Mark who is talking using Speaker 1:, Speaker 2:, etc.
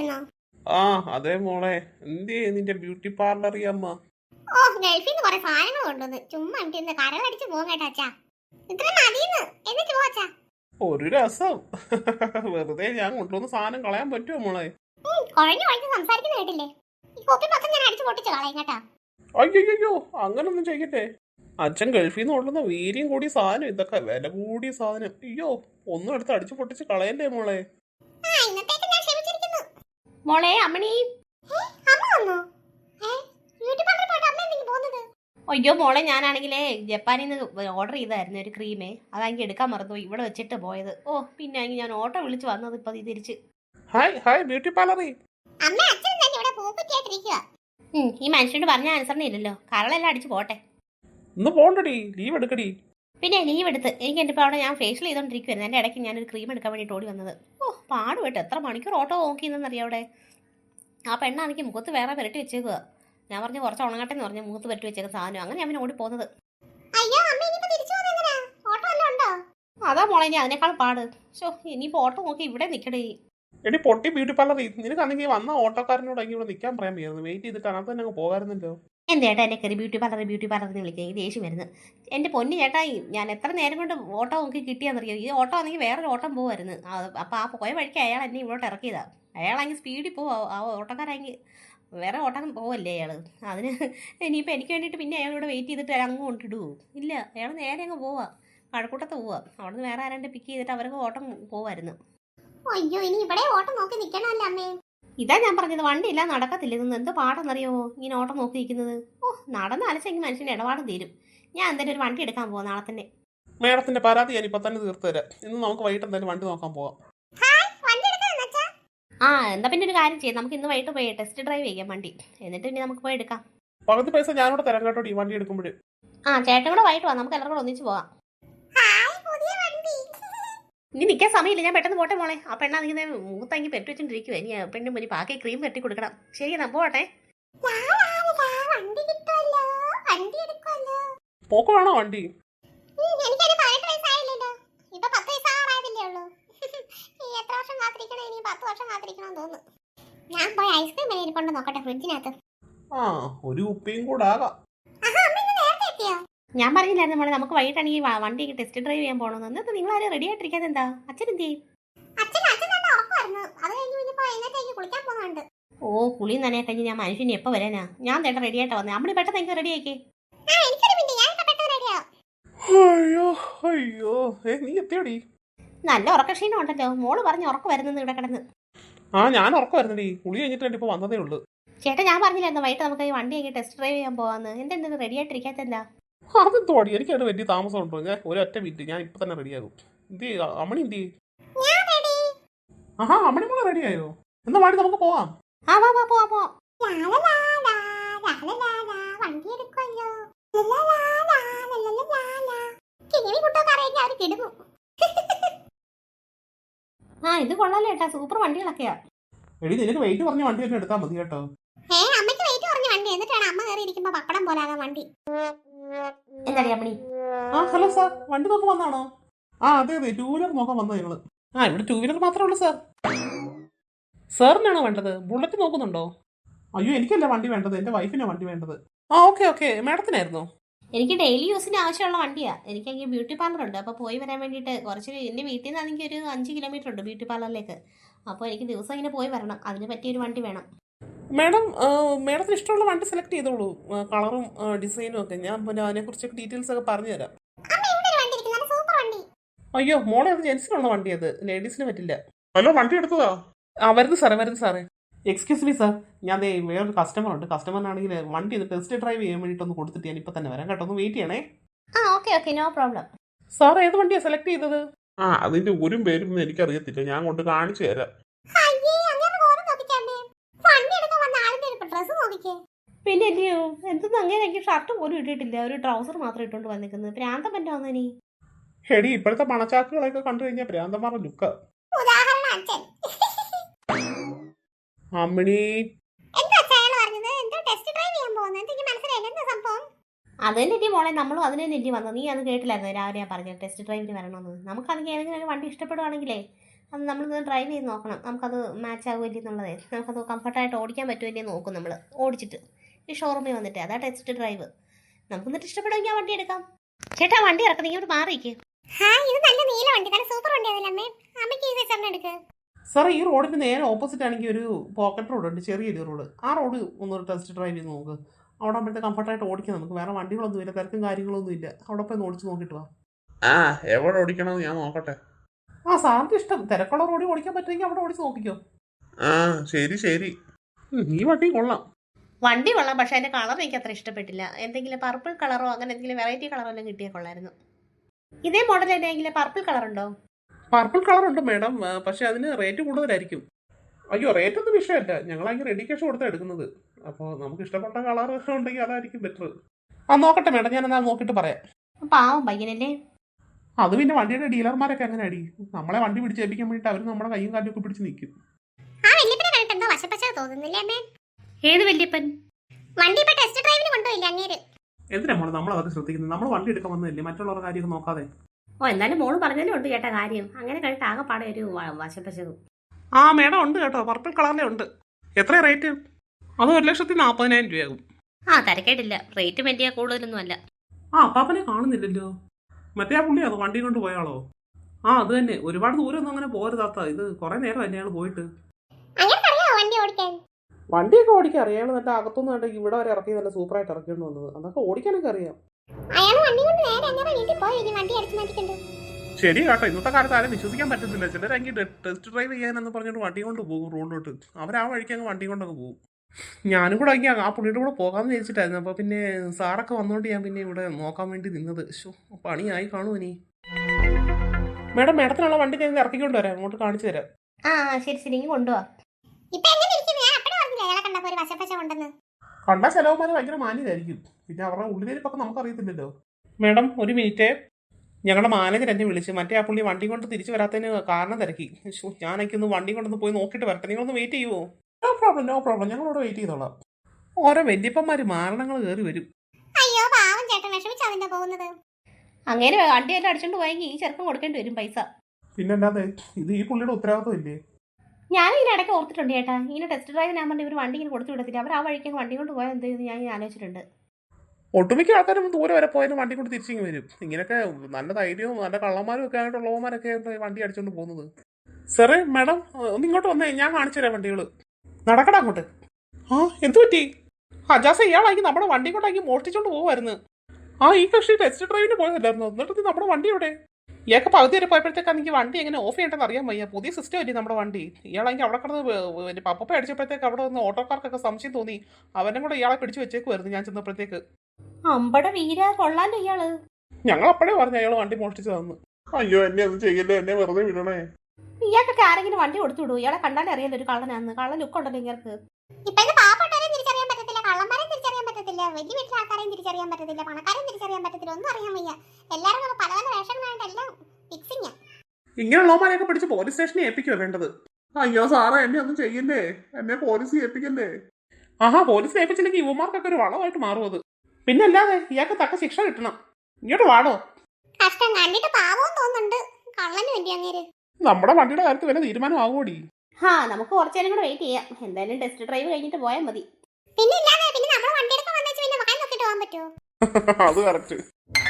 Speaker 1: പോയായിരുന്നോ?
Speaker 2: ആ അതെ മോളെ, എന്തേ നിന്റെ ബ്യൂട്ടി പാർലർ അമ്മ?
Speaker 1: ഓ, ഗൾഫിൽ നിന്ന് കുറെ സാധനങ്ങൾ കൊണ്ടുവന്ന് ചുമ്മാ ഇന്ന് കരളടിച്ച് പോകും കേട്ടോ അച്ഛാ. ഇത്ര മതിയെന്ന് എന്നിട്ട് പോ അച്ഛാ.
Speaker 2: ഒരു രസം. വെറുതെ ഞാൻ കൊണ്ടുവന്ന സാധനം കളയാൻ പറ്റുമോ മോളെ?
Speaker 1: കുഴഞ്ഞു കുഴഞ്ഞ് സംസാരിക്കുന്ന കേട്ടില്ലേ? ഈ കോപ്പി പക്കം ഞാൻ അടിച്ചു പൊട്ടിച്ച് കളയും കേട്ടാ.
Speaker 2: അയ്യോ, അങ്ങനൊന്നും ചെയ്യട്ടെ. അച്ഛൻ ഗൾഫിൽ നിന്ന് കൊണ്ടുവന്ന വീര്യം കൂടിയ സാധനം, ഇതൊക്കെ വില കൂടിയ സാധനം. അയ്യോ, ഒന്നും എടുത്ത് അടിച്ചു പൊട്ടിച്ച് കളയല്ലേ മോളെ.
Speaker 1: ഇന്നത്തേക്ക് ഞാൻ ക്ഷമിച്ചിരിക്കുന്നു.
Speaker 3: മോളെ അമ്മണി,
Speaker 1: അമ്മ വന്നോ? ബ്യൂട്ടി പാർലറിൽ പോയിട്ട് അമ്മ എന്തെങ്കിലും പോകുന്നത്?
Speaker 3: അയ്യോ മോളെ, ഞാനാണെങ്കിലേ ജപ്പാനിൽ നിന്ന് ഓർഡർ ചെയ്തായിരുന്നു ഒരു ക്രീമേ. അതാണെങ്കിൽ എടുക്കാൻ മറന്നു, ഇവിടെ വെച്ചിട്ട് പോയത്. ഓ, പിന്നെ ഞാൻ ഓട്ടോ വിളിച്ച് വന്നത് ഇപ്പൊ തിരിച്ച്.
Speaker 2: Hi beauty parlour.
Speaker 1: അമ്മ അച്ഛനും തന്നെ ഇവിടെ പൂക്കുറ്റിയായിട്ടിരിക്കുക.
Speaker 3: ഈ മനുഷ്യനോട് പറഞ്ഞ അനുസരണ ഇല്ലല്ലോ, കരളെല്ലാം അടിച്ച് പോട്ടെ.
Speaker 2: ഇന്ന് പോണ്ടടി, ലീവ് എടുക്കടി.
Speaker 3: പിന്നെ ലീവ് എടുത്ത് എനിക്ക് എൻ്റെ ഇപ്പോൾ അവിടെ ഞാൻ ഫേഷ്യൽ ചെയ്തോണ്ടിരിക്കുവായിരുന്നു. എൻ്റെ ഇടയ്ക്ക് ഞാനൊരു ക്രീം എടുക്കാൻ വേണ്ടിയിട്ട് ഓടി വന്നത്. ഓ, പാടുപെട്ട് എത്ര മണിക്കൂർ ഓട്ടോ നോക്കിയെന്നറിയാം അവിടെ. ആ പെണ്ണാണെങ്കിൽ മുഖത്ത് വേറെ പുരട്ടി വെച്ചേക്കുക. ഞാൻ പറഞ്ഞു കുറച്ച് ഉണങ്ങട്ടെ എന്ന് പറഞ്ഞു, മുഖത്ത് പുരട്ടി വെച്ചേക്കുന്ന സാധനം. അങ്ങനെ ഞാൻ ഓടി പോകുന്നത്. അതാ മോളെ, ഇനി അതിനേക്കാൾ പാട്. ഷോ, ഇനിയിപ്പോൾ ഓട്ടോ നോക്കി ഇവിടെ നിൽക്കടേ.
Speaker 2: എടി പൊട്ടി ബ്യൂട്ടി പാർലറി, നിനക്കാണെങ്കിൽ വന്ന ഓട്ടോക്കാരനോട് ഇവിടെ നിൽക്കാൻ പറയാൻ വയ്യായിരുന്നു. വെയിറ്റ് ചെയ്തിട്ട് അതിനകത്ത് തന്നെ അങ്ങ് പോകാറുണ്ടല്ലോ.
Speaker 3: എൻ്റെ ചേട്ടാ എന്നെ കയറി ബ്യൂട്ടി പാർലർ എന്ന് വിളിക്കുക. ഈ ദേഷ്യം വരുന്നത്. എൻ്റെ പൊന്നു ചേട്ടാ, ഞാൻ എത്ര നേരം കൊണ്ട് ഓട്ടോ നോക്കി കിട്ടിയാന്നറിയോ? ഈ ഓട്ടോ ആണെങ്കിൽ വേറൊരു ഓട്ടം പോകുമായിരുന്നു. അപ്പോൾ ആ പോയ വഴിക്ക് അയാൾ എന്നെ ഇങ്ങോട്ട് ഇറക്കിയതാണ്. അയാളാണെങ്കിൽ സ്പീഡിൽ പോവാ. ആ ഓട്ടോക്കാരാണെങ്കിൽ വേറെ ഓട്ടം പോവല്ലേ അയാൾ. അതിന് ഇനിയിപ്പോൾ എനിക്ക് വേണ്ടിയിട്ട് പിന്നെ അയാളിവിടെ വെയിറ്റ് ചെയ്തിട്ട് അങ്ങ് കൊണ്ടിടുവോ? ഇല്ല, അയാൾ നേരെ അങ്ങ് പോവാ, കഴക്കൂട്ടത്ത് പോവാ. അവിടെ നിന്ന് വേറെ ആരാണ്ട് പിക്ക് ചെയ്തിട്ട് അവർക്ക് ഓട്ടം പോവായിരുന്നു.
Speaker 1: അയ്യോ, ഇനി ഇവിടെ ഓട്ടം നോക്കി നിൽക്കണമല്ലോ അമ്മേ.
Speaker 3: ഇതാ ഞാൻ പറഞ്ഞത്, വണ്ടിയില്ല നടക്കത്തില്ല. ഇതൊന്നും എന്ത് പാടെന്നറിയാമോ ഇങ്ങനെ ഓട്ടം നോക്കി നിൽക്കുന്നത്. ഓ, നടന്ന് അലച്ചെങ്കിൽ മനുഷ്യൻ്റെ ഇടപാടും തീരും. ഞാൻ എന്തായാലും ഒരു വണ്ടി എടുക്കാൻ പോവാം നാളെ തന്നെ.
Speaker 2: മേഡത്തിന്റെ പരാതി ഞാൻ ഇപ്പൊ തന്നെ തീർത്തു തരാം. ഇന്ന് നമുക്ക് വൈകിട്ട് എന്തായാലും വണ്ടി നോക്കാൻ പോവാം.
Speaker 3: ആ, എന്താ പിന്നെ ഒരു കാര്യം ചെയ്യാം, നമുക്ക് ഇന്ന് വൈകിട്ട് പോയി ടെസ്റ്റ് ഡ്രൈവ് ചെയ്യാം വണ്ടി. എന്നിട്ട് പിന്നെ നമുക്ക് പോയി എടുക്കാം.
Speaker 2: പകുതി പൈസ ഞാനോട് തരാം കേട്ടോ ഈ വണ്ടി എടുക്കുമ്പോഴേ.
Speaker 3: ആ, ചേട്ടൻ കൂടെ വൈകിട്ട് പോവാം, നമുക്ക് എല്ലാവരും കൂടെ ഒന്നിച്ച് പോവാം. ഇനി നിൽക്കാൻ സമയമില്ല, ഞാൻ പെട്ടെന്ന് പോട്ടെ മോളെ. ആ പെണ്ണാണെങ്കിൽ മൂത്തങ്ങി പെട്ടി വെച്ചോണ്ടിരിക്കുവോ. ഇനി പെണ്ണിന് മുന്നിൽ ബാക്കി ക്രീം കെട്ടി കൊടുക്കണം. ശരി, എന്നാ പോട്ടെ.
Speaker 2: പോക്കുവാണോ വണ്ടി?
Speaker 1: ഞാൻ പോയി ഐസ്ക്രീം കൊണ്ട് നോക്കട്ടെ ഫ്രിഡ്ജിനകത്ത്.
Speaker 2: ആ, ഒരു കുപ്പിയും കൂടെ ആകാം.
Speaker 3: ഞാൻ പറഞ്ഞില്ലായിരുന്നു മോളെ, നമുക്ക് വൈകിട്ടാണെങ്കിൽ വണ്ടി ടെസ്റ്റ് ഡ്രൈവ് ചെയ്യാൻ പോകണമെന്ന്. എന്നിട്ട് നിങ്ങൾ ആരും റെഡി ആയിട്ടിരിക്കാതെ എന്താ? അച്ഛൻ എന്ത് ചെയ്യും? ഓ, കുളി നനയെ കഴിഞ്ഞ് ഞാൻ മനുഷ്യന് എപ്പോൾ വരാനാ? ഞാൻ തേട്ട റെഡി ആയിട്ടാ വന്നത്. അമ്മടി പെട്ടെന്ന് എനിക്ക് റെഡി ആക്കി.
Speaker 2: അയ്യോ, നീ എത്തിയോടി?
Speaker 3: നല്ല ഉറക്കക്ഷീണം ഉണ്ടല്ലോ. മോള് പറഞ്ഞ് ഉറക്കം വരുന്നത് ഇവിടെ കിടന്ന്.
Speaker 2: ആ, ഞാൻ ഉറക്കം വരുന്നടി. കുളി കഴിഞ്ഞിട്ട് ഇപ്പൊ വന്നതേ ഉള്ളൂ.
Speaker 3: ചേട്ടാ, ഞാൻ പറഞ്ഞില്ലായിരുന്നു വൈകിട്ട് നമുക്ക് ഈ വണ്ടി ടെസ്റ്റ് ഡ്രൈവ് ചെയ്യാൻ പോവാന്ന്. എന്തെന്ത് റെഡി ആയിട്ടിരിക്കാത്ത എന്താ?
Speaker 2: അതെന്തോടി, എനിക്കത് വലിയ താമസം ഉണ്ടോ? ഞാൻ ഒരൊറ്റ മിനിറ്റ്, ഞാൻ ഇപ്പൊ തന്നെ റെഡിയാകും. എന്ത് അമ്മണി എന്ത്? ആഹാ, അമ്മണി മോളെ റെഡിയായോ? എന്നാ വാടി നമുക്ക് പോവാം.
Speaker 3: ആ, പോവാ. ആ, ഇത് കൊള്ളാലോ ചേട്ടാ, സൂപ്പർ വണ്ടികളൊക്കെയാ.
Speaker 2: എടി, നിനക്ക് വെയിറ്റ് പറഞ്ഞ വണ്ടി തന്നെ എടുത്താൽ മതി കേട്ടോ.
Speaker 1: അമ്മയ്ക്ക് വെയിറ്റ് പറഞ്ഞ വണ്ടി, എന്നിട്ടാണ് അമ്മ കയറി ഇരിക്കുമ്പോ പപ്പടം പോലാകാൻ വണ്ടി.
Speaker 3: എന്താ അമ്മണി?
Speaker 2: ആ, ഹലോ സാർ, വണ്ടി നോക്കാൻ വന്നാണോ? ആ, അതെ, ടൂ വീലർ നോക്കാൻ വന്നത് ഞങ്ങള്. ആ, ഇവിടെ ടൂ വീലർ മാത്രമേ ഉള്ളൂ സാർ. സാറിനാണോ വേണ്ടത്? ബുള്ളറ്റ് നോക്കുന്നുണ്ടോ? അയ്യോ, എനിക്കല്ല വണ്ടി വേണ്ടത്, എന്റെ വൈഫിനാ വണ്ടി വേണ്ടത്. ആ, ഓക്കെ, മാഡത്തിനായിരുന്നോ?
Speaker 3: എനിക്ക് ഡെയിലി യൂസിന് ആവശ്യമുള്ള വണ്ടിയാ. എനിക്കെങ്കിൽ ബ്യൂട്ടി പാർലർ ഉണ്ട്. അപ്പോൾ പോയി വരാൻ വേണ്ടിയിട്ട് കുറച്ച് എൻ്റെ വീട്ടിൽ നിന്നാണെങ്കിൽ ഒരു 5 കിലോമീറ്റർ ഉണ്ട് ബ്യൂട്ടി പാർലറിലേക്ക്. അപ്പോൾ എനിക്ക് ദിവസം ഇങ്ങനെ പോയി വരണം. അതിന് പറ്റിയൊരു വണ്ടി വേണം.
Speaker 2: മാഡത്തിന് ഇഷ്ടമുള്ള വണ്ടി സെലക്ട് ചെയ്തോളൂ. കളറും ഡിസൈനും ഒക്കെ. ഞാൻ പിന്നെ അതിനെക്കുറിച്ചൊക്കെ ഡീറ്റെയിൽസ് ഒക്കെ പറഞ്ഞുതരാം. അയ്യോ മോളെ, അത് ജെൻസിനുള്ള വണ്ടി, അത് ലേഡീസിന് പറ്റില്ല. ഹലോ, വണ്ടി എടുത്തതാ? വരുന്നു സാറേ. എക്സ്ക്യൂസ് മീ സാർ, ഞാൻ വേറൊരു കസ്റ്റമർ ഉണ്ട്. കസ്റ്റമറിനാണെങ്കിൽ വണ്ടി ഇത് ടെസ്റ്റ് ഡ്രൈവ് ചെയ്യാൻ വേണ്ടിയിട്ടൊന്ന് കൊടുത്തിട്ട് ഞാൻ ഇപ്പൊ തന്നെ വരാം കേട്ടോ. ഒന്ന് വെയിറ്റ് ചെയ്യണേ.
Speaker 3: ആ, ഓക്കെ, നോ പ്രോബ്ലം.
Speaker 2: സാർ ഏത് വണ്ടിയാണ് സെലക്ട് ചെയ്തത്? ആ, അതിന്റെ ഒരു പേരും എനിക്കറിയത്തില്ല, ഞാൻ കൊണ്ട് കാണിച്ചു തരാം.
Speaker 3: പിന്നെ അല്ലയോ, എന്തെന്ന് അങ്ങനെ എനിക്ക് ഷർട്ട് പോലും ഇട്ടിട്ടില്ല, ഒരു ട്രൗസർ മാത്രം ഇട്ടുകൊണ്ട് വന്നിരിക്കുന്നത്. പ്രാന്തം പറ്റാവുന്ന ഇനി.
Speaker 2: ഹെടി, ഇപ്പോഴത്തെ പണച്ചാക്കുകളൊക്കെ കണ്ടു കഴിഞ്ഞാൽ പ്രാന്തമാരുടെ ലുക്ക്. അമ്മിണി,
Speaker 3: അതിനെ മോളെ, നമ്മളും അതിനെ നെറ്റി വന്നു. നീ അത് കേട്ടില്ലായിരുന്നു രാവിലെ ഞാൻ പറഞ്ഞു ടെസ്റ്റ് ഡ്രൈവിന് വരണമെന്ന്. നമുക്കാണെങ്കിൽ ഏതെങ്കിലും ഒരു വണ്ടി ഇഷ്ടപ്പെടുവാണെങ്കിലേ അത് നമ്മളൊന്ന് ഡ്രൈവ് ചെയ്ത് നോക്കണം, നമുക്കത് മാച്ച് ആകുമല്ലേ എന്നുള്ളതേ, നമുക്കത് കംഫർട്ടായിട്ട് ഓടിക്കാൻ പറ്റുമല്ലേ നോക്കും നമ്മൾ ഓടിച്ചിട്ട് ഈ ഷോറൂമിൽ വന്നിട്ട്. അതാ ടെസ്റ്റ് ഡ്രൈവ്. നമുക്ക് എന്നിട്ട് ഇഷ്ടപ്പെടുമെങ്കിൽ ആ വണ്ടി എടുക്കാം. ചേട്ടാ വണ്ടി ഇറക്കാം, നിങ്ങൾ മാറിയിരിക്കും.
Speaker 1: ഇത് നല്ല നീല വണ്ടി, നല്ല സൂപ്പർ വണ്ടി അതല്ലേ അമ്മേ? അമ്മയ്ക്ക് ഈ വെച്ചറിന് എടുക്ക്.
Speaker 2: സാർ ഈ റോഡിന് നേരെ ഓപ്പോസിറ്റ് ആണെങ്കിൽ ഒരു പോക്കറ്റ് റോഡ് ഉണ്ട്, ചെറിയൊരു റോഡ്. ആ റോഡ് ഒന്ന് ടെസ്റ്റ് ഡ്രൈവ് ചെയ്ത് നോക്ക്. അവിടെ ആകുമ്പോഴത്തെ കംഫർട്ടായിട്ട് ഓടിക്കാം നമുക്ക്. വേറെ വണ്ടികളൊന്നും ഇല്ല, തിരക്കും കാര്യങ്ങളൊന്നും ഇല്ല. അവിടെ പോയി ഓടിച്ച് നോക്കിയിട്ട് വാ.
Speaker 4: എവിടെ ഓടിക്കണമെന്ന് ഞാൻ നോക്കട്ടെ.
Speaker 2: സാറിന്റെ ഇഷ്ടം. തിരക്കുള്ള റോഡിൽ ഓടിക്കാൻ പറ്റുമെങ്കിൽ അവിടെ ഓടിച്ച് നോക്കിക്കോ.
Speaker 4: ശരി ശരി.
Speaker 2: ഈ വണ്ടി കൊള്ളാം.
Speaker 3: വണ്ടി കൊള്ളാം, പക്ഷെ അതിന്റെ കളർ എനിക്ക് അത്ര ഇഷ്ടപ്പെട്ടില്ല. എന്തെങ്കിലും പർപ്പിൾ കളറോ അങ്ങനെ എന്തെങ്കിലും വെറൈറ്റി കളറോ എല്ലാം കിട്ടിയാൽ കൊള്ളായിരുന്നു. ഇതേ മോഡൽ എന്തെങ്കിലും പർപ്പിൾ കളർ ഉണ്ടോ?
Speaker 2: പർപ്പിൾ കളർ ഉണ്ട് മാഡം, പക്ഷെ അതിന് റേറ്റ് കൂടുതലായിരിക്കും. അയ്യോ, റേറ്റ് ഒന്നും വിഷയമല്ല. ഞങ്ങളതിന് റെഡി ക്യാഷ് കൊടുത്താണ് എടുക്കുന്നത്. അപ്പോൾ നമുക്ക് ഇഷ്ടപ്പെട്ട കളർ ഉണ്ടെങ്കിൽ അതായിരിക്കും ബെറ്റർ. നോക്കട്ടെ മാഡം, ഞാൻ എന്നാൽ നോക്കിയിട്ട് പറയാം.
Speaker 3: പാവം പയ്യനല്ലേ.
Speaker 2: അത് പിന്നെ വണ്ടിയുടെ ഡീലർമാരൊക്കെ അങ്ങനെ അടി. നമ്മളെ വണ്ടി പിടിച്ചേൽപ്പിക്കാൻ വേണ്ടിയിട്ട് അവർ നമ്മുടെ കൈയും കാലും ഒക്കെ പിടിച്ച് നിൽക്കും.
Speaker 1: ആ വല്യപ്പനെ കണ്ടിട്ട് എന്തോ വശപ്പശ തോന്നുന്നില്ലേ അമ്മേ?
Speaker 3: ഏത് വല്യപ്പൻ?
Speaker 1: വണ്ടി ഇപ്പൊ ടെസ്റ്റ് ഡ്രൈവിന് കൊണ്ടുപോയില്ല അങ്ങേര്.
Speaker 2: എന്തിനാ മോളെ നമ്മളതൊക്കെ ശ്രദ്ധിക്കുന്നത്? നമ്മൾ വണ്ടി എടുക്കാൻ വന്നതല്ലേ, മറ്റുള്ളവരുടെ കാര്യമൊക്കെ നോക്കാതെ.
Speaker 3: എന്തായാലും മോള് പറഞ്ഞാലും ഉണ്ട് ചേട്ടാ കാര്യം. അങ്ങനെ കഴിഞ്ഞിട്ട് ആകെപ്പാടെ ഒരു വശപ്പശകും.
Speaker 2: മാഡം ഉണ്ട് കേട്ടോ, പർപ്പിൾ കളറിലെ ഉണ്ട്. എത്ര റേറ്റ്? അത് 1,40,000 രൂപയാകും.
Speaker 3: തിരക്കേട്ടില്ല, റേറ്റ് വലിയ കൂടുതലൊന്നും അല്ല.
Speaker 2: അപ്പാപ്പനെ കാണുന്നില്ലല്ലോ. മറ്റേ ആ പുള്ളി അത് വണ്ടി കൊണ്ട് പോയാളോ? അത് തന്നെ. ഒരുപാട് ദൂരമൊന്നും അങ്ങനെ പോരുതാത്ത. ഇത് കുറെ നേരം തന്നെ അയാൾ പോയിട്ട്.
Speaker 1: വണ്ടി ഓടിക്കാൻ
Speaker 2: വണ്ടിയൊക്കെ ഓടിക്കാൻ അറിയാം. നല്ല അകത്തൊന്നും കണ്ട ഇവിടെ വരെ ഇറക്കി നല്ല സൂപ്പറായിട്ട് ഇറക്കിക്കൊണ്ട് വന്നത്. അതൊക്കെ ഓടിക്കാനൊക്കെ അറിയാം. ശരി കേട്ടോ, ഇന്നത്തെ കാലത്ത് ആരും വിശ്വസിക്കാൻ പറ്റത്തില്ല. ചിലരെങ്കിൽ ടെസ്റ്റ് ഡ്രൈവ് ചെയ്യാനെന്ന് പറഞ്ഞിട്ട് വണ്ടി കൊണ്ട് പോകും റോഡിലോട്ട്. അവരാ വഴിക്ക് അങ്ങ് വണ്ടി കൊണ്ടൊക്കെ പോകും. ഞാനും കൂടെ അങ്ങ് ആ പുള്ളിയുടെ കൂടെ പോകാമെന്ന് വിചാരിച്ചിട്ടായിരുന്നു. അപ്പോൾ പിന്നെ സാറൊക്കെ വന്നുകൊണ്ട് ഞാൻ പിന്നെ ഇവിടെ നോക്കാൻ വേണ്ടി നിന്നത്. പണിയായി കാണുമോ ഇനി? മാഡം, മാഡത്തിനുള്ള വണ്ടി ഞാൻ ഇറക്കിക്കൊണ്ട് വരാം, അങ്ങോട്ട് കാണിച്ചു തരാം.
Speaker 3: ശരി ശരി, ഇങ്ങ് കൊണ്ടുപോവാ.
Speaker 2: കണ്ട ചെലവന്മാർ ഭയങ്കര മാന്യതായിരിക്കും. പിന്നെ അവരുടെ ഉള്ളിലിരിപ്പൊക്കെ നമുക്കറിയത്തില്ലല്ലോ. മാഡം ഒരു മിനിറ്റ്, ഞങ്ങളുടെ മാനേജർ എന്നെ വിളിച്ച് മറ്റേ ആ പുള്ളി വണ്ടി കൊണ്ട് തിരിച്ചു വരാത്തതിന് കാരണം തിരക്കി. ഞാനൊന്ന് വണ്ടി കൊണ്ടൊന്ന് പോയി നോക്കിയിട്ട് വരട്ടെ. നിങ്ങളൊന്ന് വെയിറ്റ് ചെയ്യുമോ? നോ പ്രോബ്ലം, ഞങ്ങളോട് വെയിറ്റ് ചെയ്തോളാം. ഓരോ വല്യപ്പന്മാര് മാരണങ്ങൾ കയറി വരും.
Speaker 1: അയ്യോ പാവം ചേട്ടൻ വിഷമിച്ചാ പോകുന്നത്.
Speaker 3: അങ്ങനെ വണ്ടിയെല്ലാം അടിച്ചോണ്ട് പോയെങ്കിൽ ഈ ചെറുപ്പം കൊടുക്കേണ്ടി വരും പൈസ.
Speaker 2: പിന്നല്ലാതെ ഇത് ഈ പുള്ളിയുടെ ഉത്തരവാദിത്വം ഇല്ലേ?
Speaker 3: ഞാനിങ്ങനെ ഇടയ്ക്ക് ഓർത്തിട്ടുണ്ട് ചേട്ടാ, ഇങ്ങനെ ടെസ്റ്റ് ഡ്രൈവിന് ആകുമ്പോൾ ഇവർ വണ്ടി ഇങ്ങനെ കൊടുത്തു വിടത്തില്ല. അവർ ആ വഴിക്ക് വണ്ടി കൊണ്ട് പോയാൽ എന്ത് ചെയ്യുന്നു ഞാൻ ആലോചിച്ചിട്ടുണ്ട്.
Speaker 2: ഒട്ടുമിക്ക ആൾക്കാരും ദൂരെ വരെ പോയാലും വണ്ടി കൊണ്ട് തിരിച്ചിങ്ങ് വരും. ഇങ്ങനെയൊക്കെ നല്ല ധൈര്യവും നല്ല കള്ളന്മാരും ഒക്കെ ആയിട്ടുള്ളവന്മാരൊക്കെ വണ്ടി അടിച്ചോണ്ട് പോകുന്നത്. സാറേ മാഡം ഒന്ന് ഇങ്ങോട്ട് വന്നേ, ഞാൻ കാണിച്ചു തരാം വണ്ടികൾ. നടക്കടാ അങ്ങോട്ട്. എന്തു പറ്റി? അജാസ ഇയാളാക്കി നമ്മുടെ വണ്ടി കൊണ്ടാക്കി മോഷ്ടിച്ചോണ്ട് പോകുമായിരുന്നു. ഈ കക്ഷി ടെസ്റ്റ് ഡ്രൈവിന് പോയതല്ലായിരുന്നു. എന്നിട്ട് നമ്മുടെ വണ്ടി എവിടെ? ഇയാൾക്ക് പകുതി വരെ പോയപ്പോഴത്തേക്കാണ് എനിക്ക് വണ്ടി എങ്ങനെ ഓഫ് ചെയ്യേണ്ടതെന്ന് അറിയാൻ വയ്യ. പുതിയ സിസ്റ്റം അല്ലേ നമ്മുടെ വണ്ടി. ഇയാളെങ്കിൽ അവിടെ കിടന്ന് പപ്പ അടിച്ചപ്പോഴത്തേക്ക് അവിടെ നിന്ന് ഓട്ടോക്കാർക്കൊക്കെ സംശയം തോന്നി. അവനും കൂടെ ഇയാളെ പിടിച്ചു വെച്ചേക്കുമായിരുന്നു ഞാൻ ചെന്നപ്പോഴത്തേക്ക്.
Speaker 3: അമ്പട വീര കൊള്ളാലോ ഇയാള്.
Speaker 2: ഞങ്ങൾ അപ്പോഴേ പറഞ്ഞു അയാൾ വണ്ടി മോഷ്ടിച്ചതെന്ന്.
Speaker 4: അയ്യോ, എന്നെ ഒന്നും ചെയ്യല്ലോ, എന്നെ വെറുതെ വിടണേ.
Speaker 3: ഇയാൾക്കൊക്കെ ആരെങ്കിലും വണ്ടി കൊടുത്തു വിടൂ. ഇയാളെ കണ്ടാലേ അറിയാലോ ഒരു കള്ളനാന്ന്. കള്ളൻ ലുക്ക് ഉണ്ടല്ലോ ഇയാൾക്ക്.
Speaker 1: ഇപ്പോഴത്തെ പാവപ്പെട്ടവരെയും തിരിച്ചറിയാൻ പറ്റത്തില്ല, കള്ളന്മാരെയും തിരിച്ചറിയാൻ പറ്റത്തില്ല, വലിയ വീട്ടിലെ ആൾക്കാരെയും തിരിച്ചറിയാൻ പറ്റത്തില്ല, പണക്കാരെയും തിരിച്ചറിയാൻ പറ്റത്തില്ല. ഒന്നും അറിയാൻ വയ്യ. എല്ലാവരും പല പല വേഷങ്ങളായിട്ടെല്ലാം ഫിക്സിങ്ങാ.
Speaker 2: ഇങ്ങനെയുള്ളവന്മാരെയൊക്കെ പിടിച്ച് പോലീസ് സ്റ്റേഷനിൽ ഏൽപ്പിക്കുവോ വേണ്ടത്?
Speaker 4: അയ്യോ സാറേ, എന്നെ ഒന്നും ചെയ്യല്ലേ, എന്നെ പോലീസ് ഏൽപ്പിക്കല്ലേ.
Speaker 2: പോലീസിനെ ഏൽപ്പിച്ചില്ലെങ്കിൽ യുവമാർക്കൊക്കെ ഒരു വളമായിട്ട് മാറും അത്. പിന്നെ അല്ലാതെ ഇയാൾക്ക് തക്ക ശിക്ഷ കിട്ടണം. ഇങ്ങോട്ട് വാടോ.
Speaker 1: കഷ്ടം കണ്ടിട്ട് പാവവും തോന്നുന്നുണ്ട്. കള്ളന് വേണ്ടി അങ്ങേര്.
Speaker 2: നമ്മുടെ വണ്ടിയുടെ കാര്യത്തിൽ വല്ല തീരുമാനമാകുമോടി?
Speaker 3: നമുക്ക് കുറച്ചു നേരം കൂടെ വെയിറ്റ് ചെയ്യാം. എന്തായാലും ടെസ്റ്റ് ഡ്രൈവ് കഴിഞ്ഞിട്ട് പോയാൽ മതി.
Speaker 1: പിന്നെ ഇല്ലാതെ പിന്നെ നമ്മൾ വണ്ടി എടുക്കാൻ വന്നേച്ച് പിന്നെ വായി നോക്കിട്ട് പോകാൻ പറ്റുമോ?
Speaker 4: അത് കറക്റ്റ്.